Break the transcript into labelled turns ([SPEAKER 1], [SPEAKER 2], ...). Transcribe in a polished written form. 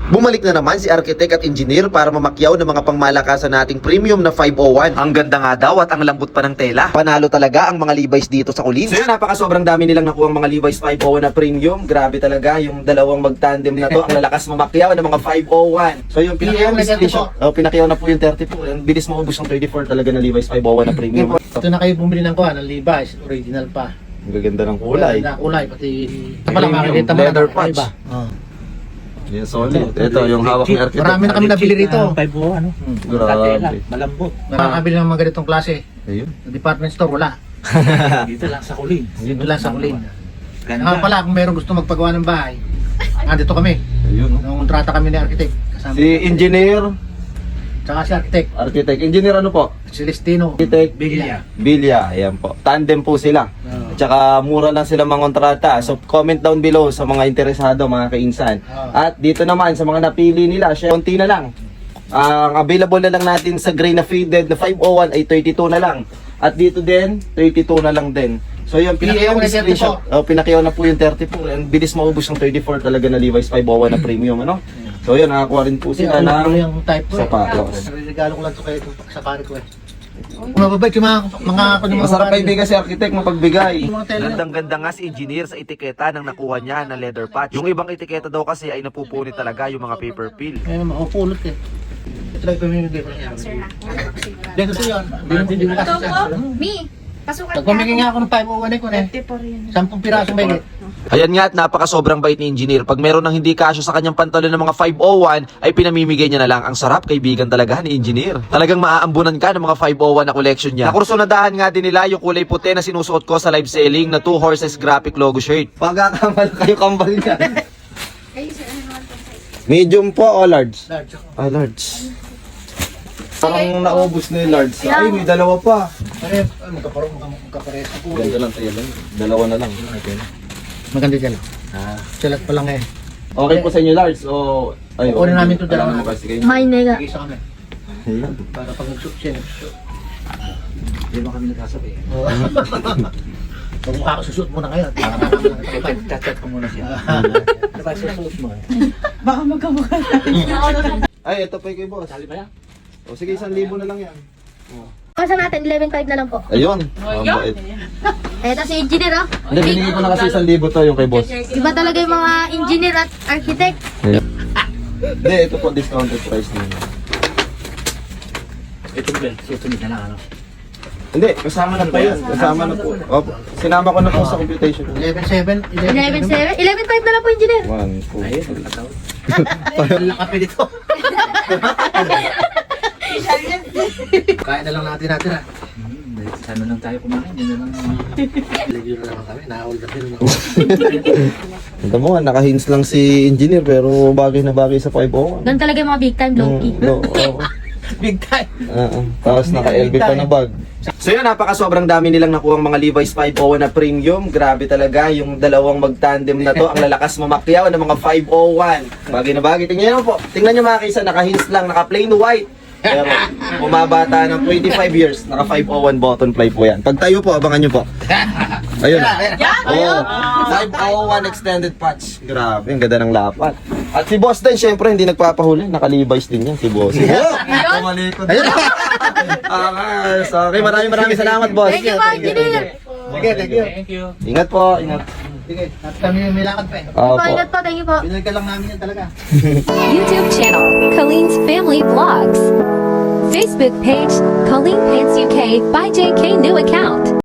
[SPEAKER 1] Bumalik na naman si architect at engineer para mamakyaw ng mga pangmalakasan nating premium na 501. Ang ganda nga daw at ang lambot pa ng tela. Panalo talaga ang mga Levi's dito sa Colleen. So yun, sobrang dami nilang nakuha ang mga Levi's 501 na premium. Grabe talaga yung dalawang magtandem na to. Ang lalakas mamakyaw ng mga 501. So yung pinakyaw na pinakyaw na po yung 34. Ang bilis maubos ng 34 talaga na Levi's 501 na premium.
[SPEAKER 2] Ito na kayo bumili ng kuha, ng Levi's, original pa.
[SPEAKER 1] Ang gaganda ng kulay.
[SPEAKER 2] Kulay, pati pala makikita mo
[SPEAKER 1] leather
[SPEAKER 2] na
[SPEAKER 1] patch.
[SPEAKER 2] iba.
[SPEAKER 1] Yes, solid. Ito yung hawak ni architect.
[SPEAKER 2] Marami na kami nabili rito.
[SPEAKER 3] 5 ano?
[SPEAKER 1] Grabe.
[SPEAKER 3] Malambot.
[SPEAKER 2] Nakakabili ng mga ganitong klase.
[SPEAKER 1] Ayun.
[SPEAKER 2] Sa department store, wala.
[SPEAKER 3] Dito lang sa Colleen.
[SPEAKER 2] Dito lang sa Colleen.
[SPEAKER 3] Ganda.
[SPEAKER 2] Pala, kung meron gusto magpagawa ng bahay, andito kami.
[SPEAKER 1] Ayun.
[SPEAKER 2] Nangontrata kami ni architect. Kasama
[SPEAKER 1] Si engineer,
[SPEAKER 2] Tsaka si architect,
[SPEAKER 1] engineer ano po?
[SPEAKER 2] Celestino.
[SPEAKER 1] Architect
[SPEAKER 3] Bigla.
[SPEAKER 1] Bilya, ayan po. Tandem po sila. At saka mura lang sila mangontrata. So comment down below sa mga interesado, mga kainsan. At dito naman sa mga napili nila, konti na lang. Ang available na lang natin sa gray na faded na 501 ay 32 na lang. At dito din, 32 na lang din. So yung
[SPEAKER 2] Pinakyaw na 34.
[SPEAKER 1] screenshot. Pinakyaw na po yung 34. Ang bilis maubos ng 34 talaga na Levi's 501 na premium, ano? So yun, nakakuha rin po sila ng
[SPEAKER 2] yung type ko.
[SPEAKER 1] sapatos.
[SPEAKER 2] Regalo ko lang ito kayo sa pare ko eh. Kung mababait yung mga
[SPEAKER 1] Masarap kaibigan si architect mapagbigay.
[SPEAKER 2] Yung mga tela.
[SPEAKER 1] Gandang-ganda nga si engineer sa etiketa ng nakuha niya na leather patch. Yung ibang etiketa daw kasi ay napupunit talaga yung mga paper peel.
[SPEAKER 2] Ngayon, makapulot eh. Ito lang pamimigay ko lang.
[SPEAKER 4] Sir na.
[SPEAKER 2] Dito to yun. Hindi mo kasi
[SPEAKER 4] Ito po, Mi, pasukan
[SPEAKER 2] Pagpamigay nga ako ng 501 eh ko eh.
[SPEAKER 4] 34 yun.
[SPEAKER 2] 10 pirasong bayit.
[SPEAKER 1] Ayan nga at napaka-sobrang bait ni engineer. Pag meron ng hindi kasyo sa kanyang pantalon ng mga 501, ay pinamimigay niya na lang. Ang sarap, kaibigan talaga ni engineer. Talagang maaambunan ka ng mga 501 na collection niya. Nakursunadahan nga din nila yung kulay puti na sinusuot ko sa live selling na 2 horses graphic logo shirt. Pagkakamal kayo kambal niya.
[SPEAKER 4] Ay, sir, ano naman po size?
[SPEAKER 1] Medium po o large?
[SPEAKER 2] Large ako.
[SPEAKER 1] Ah, large. Parang naubos na yung large. Ay, may dalawa pa.
[SPEAKER 2] Pare, magkapares ako.
[SPEAKER 1] Ganda lang tayo lang. Dalawa na lang.
[SPEAKER 2] Maganda dyan. Salat pa lang eh.
[SPEAKER 1] Okay po sa inyo large o... Ay,
[SPEAKER 2] Kukunin namin ito dalawa.
[SPEAKER 1] Alam mo kasi kayo.
[SPEAKER 4] May nega.
[SPEAKER 2] Isa kami.
[SPEAKER 1] Ayan.
[SPEAKER 2] Para pag nag-shoot siya, nag-shoot.
[SPEAKER 3] Hindi mo kami nagkasabi.
[SPEAKER 2] Pag mukha ko susuot muna ngayon.
[SPEAKER 3] Chat-chat ko muna siya. Ano ba susuot mo?
[SPEAKER 4] Baka magkamukha.
[SPEAKER 1] Ay, ito pa kay boss.
[SPEAKER 3] Sali ba yan?
[SPEAKER 1] O sige, 1,000 na lang yan.
[SPEAKER 4] Kasa natin, 11.5 na lang po.
[SPEAKER 1] Ayun. Ang bait.
[SPEAKER 4] Eto si engineer, oh.
[SPEAKER 1] Hindi, binigay ko na kasi 1,000 to yung kay boss.
[SPEAKER 4] Iba talaga yung mga engineer at architect.
[SPEAKER 1] Hindi, ito po discounted price din.
[SPEAKER 3] Ito ba? Susunod na lang ano?
[SPEAKER 1] Hindi, kasama na po yan. Kasama na po. Opo. Sinama ko na po sa computation.
[SPEAKER 2] 11.7.
[SPEAKER 4] 11.7? 11.5 na lang po, engineer.
[SPEAKER 1] 1, 2,
[SPEAKER 3] Ayun, nagkataon.
[SPEAKER 2] Lakapi dito. Kain na lang natin ah.
[SPEAKER 3] Sana lang tayo kumain. Yun na lang.
[SPEAKER 2] Lagyan na lang kami. Nakahol na din.
[SPEAKER 1] Ito mo nga, naka-hints lang si engineer pero bagay na bagay sa 501.
[SPEAKER 4] Doon talaga yung mga big time, low-key.
[SPEAKER 2] Big time.
[SPEAKER 1] Tapos naka-LB pa na bag. So yun, sobrang dami nilang nakuha ang mga Levi's 501 na premium. Grabe talaga yung dalawang magtandem na to. Ang lalakas mamakyaw ng mga 501. Bagay na bagay. Tingnan nyo po. Tingnan nyo mga kaysa, naka-hints lang, naka-plain white. Pero bumabata ng 25 years, naka 501 button fly po yan. Pag tayo po, abangan nyo po. Ayun. Oh, 501 extended patch. Grabe, ang ganda ng lapat. At si boss din, syempre, hindi nagpapahuli. Naka-Levi's din yan, si boss. Kumalikod. Ayun. Okay, maraming salamat, boss.
[SPEAKER 4] Thank you, engineer.
[SPEAKER 2] Sige, thank you.
[SPEAKER 3] Thank you.
[SPEAKER 1] Ingat po, ingat.
[SPEAKER 2] Sige, at kami may lakad pa eh.
[SPEAKER 1] Opo.
[SPEAKER 4] Ingat po, thank you po.
[SPEAKER 2] Binalik lang namin yan talaga.
[SPEAKER 5] YouTube channel, Colleen's Family Vlogs. Facebook page, Colleen Pants UK by JK New Account.